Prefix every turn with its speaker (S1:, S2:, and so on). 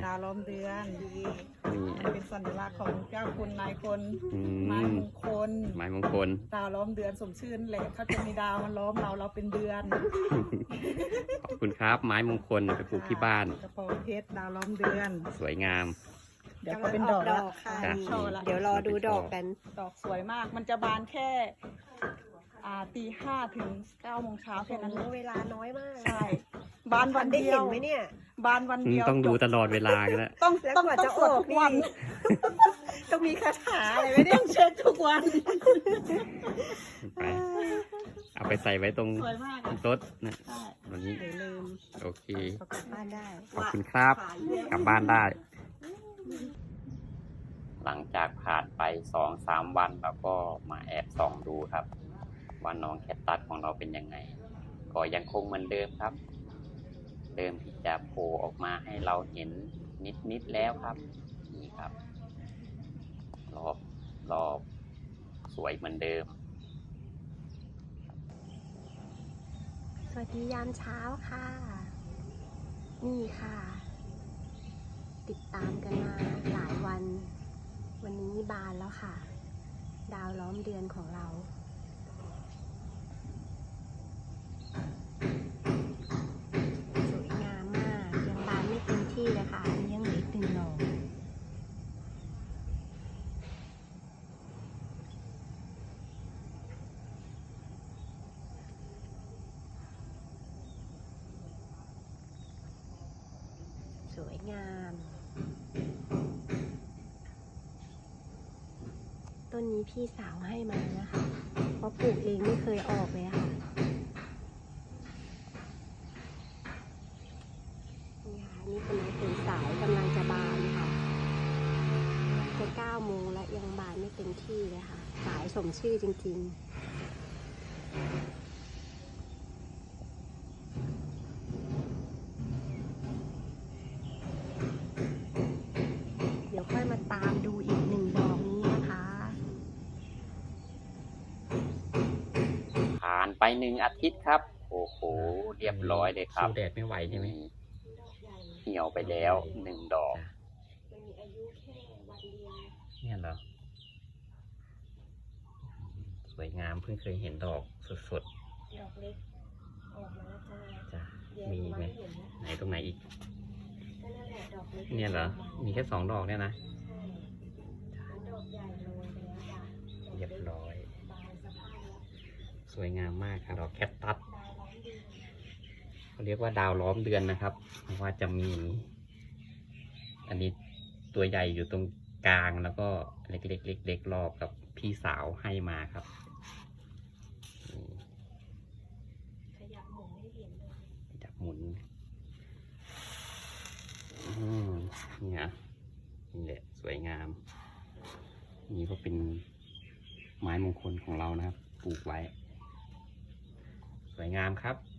S1: ดาวล้อมเดือน
S2: นี่
S1: มันเป็นสัญลักษณ์ของเจ้าคุณนายคน
S2: อื
S1: ไม้มงคล
S2: ไม้มงคล
S1: ดาวล้อมเดือนสมชื่อนั่นแหละเขาจะมีดาวมันล้อมเราเป็นเดือน
S2: ขอบคุณครับไม้มงคลไปปลูกที่บ้าน
S1: กระโปรงเพชรดาวล้อมเดือน
S2: สวยงาม
S1: เดี๋ยวก็เป็นดอกแล้ว
S2: ค่ะ
S1: โชว์ละ
S3: เดี๋ยวรอดูดอกกัน
S1: ดอกสวยมาก มันจะบานแค่ตี 5 ถึง 9 โมงเช้าแค่นั้น
S3: โอ้เวลาน้อยมาก
S1: ใช่ บานวัน
S3: ได้
S1: เดีย
S3: เห็
S1: วน
S3: ไหมเนี่ย
S1: บานวันเดียว
S2: ต้องดู
S1: จบ
S2: ตลอดเวลากันแล้ว
S1: ต้อง
S3: แล้ว
S1: ต้อง
S3: กว่า
S1: ต้อ
S3: จะ
S1: งสวด
S3: ออก
S1: ทุกวัน
S3: นี่ ต้องมีคาถาอะไรไหม
S1: ต้
S3: เนี่ย
S1: องเช็คทุกวัน
S2: ไปเอาไปใส่ไว้ตรง
S1: สวยมากอะ
S2: โต๊ะนะ
S1: ใช่
S2: วันนี้
S3: เดี๋ยวลืม
S2: โอเค
S3: เอากลับบ้านได้
S2: ขอบคุณครับ กลับบ้านได้ หลังจากผ่านไป 2-3 วันเราก็มาแอบส่องดูครับว่าน้องแคทตัสของเราเป็นยังไง ก็ยังคงเหมือนเดิมครับ เดิมที่จะโผล่ออกมาให้เราเห็นนิดแล้วครับนี่ครับรอบสวยเหมือนเดิม
S3: สวัสดียามเช้าค่ะ นี่ค่ะ ติดตามกันมาหลายวัน วันนี้บานแล้วค่ะ ดาวล้อมเดือนของเรา สวยงามมาก ยังบานไม่เต็มที่เลยค่ะอันนี้ยังเหลืออีก1 ดอกสวยงาม ต้นนี้พี่สาวให้มานะคะ เพราะปลูกเองไม่เคยออกเลยค่ะ นี่ค่ะ นี่เป็นไม้เป็นสายกำลังจะบานค่ะจะ9 โมงแล้วยังบานไม่เต็มที่เลยค่ะ สายสมชื่อจริงๆ เดี๋ยวค่อยมาตามดูอีก1 ดอกนี้นะคะ
S2: ผ่านไป1 อาทิตย์ครับ โอ้โห เรียบร้อยเลยครับ
S4: สู้แดดไม่ไหวใช่ไหม
S2: เหี่ยวไปแล้ว1 ดอก
S3: มันมีอายุแค่วันเดียว
S4: เนี่ยเหรอ สวยงามเพิ่งเคยเห็นดอกสด
S3: ดอกเล็กออกมาแล้วจ้า
S4: ๆจ้ะ
S3: แยก
S4: มีไหม
S3: เห็นนะ
S4: ไหนตรงไหนอีก
S3: ก็นั่นแหละดอกเล็ก
S4: เนี่ยเหรอ มีแค่2 ดอกเนี่ยนะ
S3: ดอกใหญ่โรยไปแล้วค่ะ
S4: เรียบร้อย
S3: บานสภาพแล้ว
S4: สวยงามมากครับดอกแคคตัสเขาเรียกว่าดาวล้อมเดือนนะครับ เพราะว่าจะมี อันนี้ตัวใหญ่อยู่ตรงกลางแล้วก็เล็กๆรอบกับพี่สาวให้มาครับนี่
S3: ขยับหมุนให้เห็นเลย
S4: จับหมุนเนี่ยนี่แหละสวยงาม นี่ก็เป็นไม้มงคลของเรานะครับ ปลูกไว้ สวยงามครับ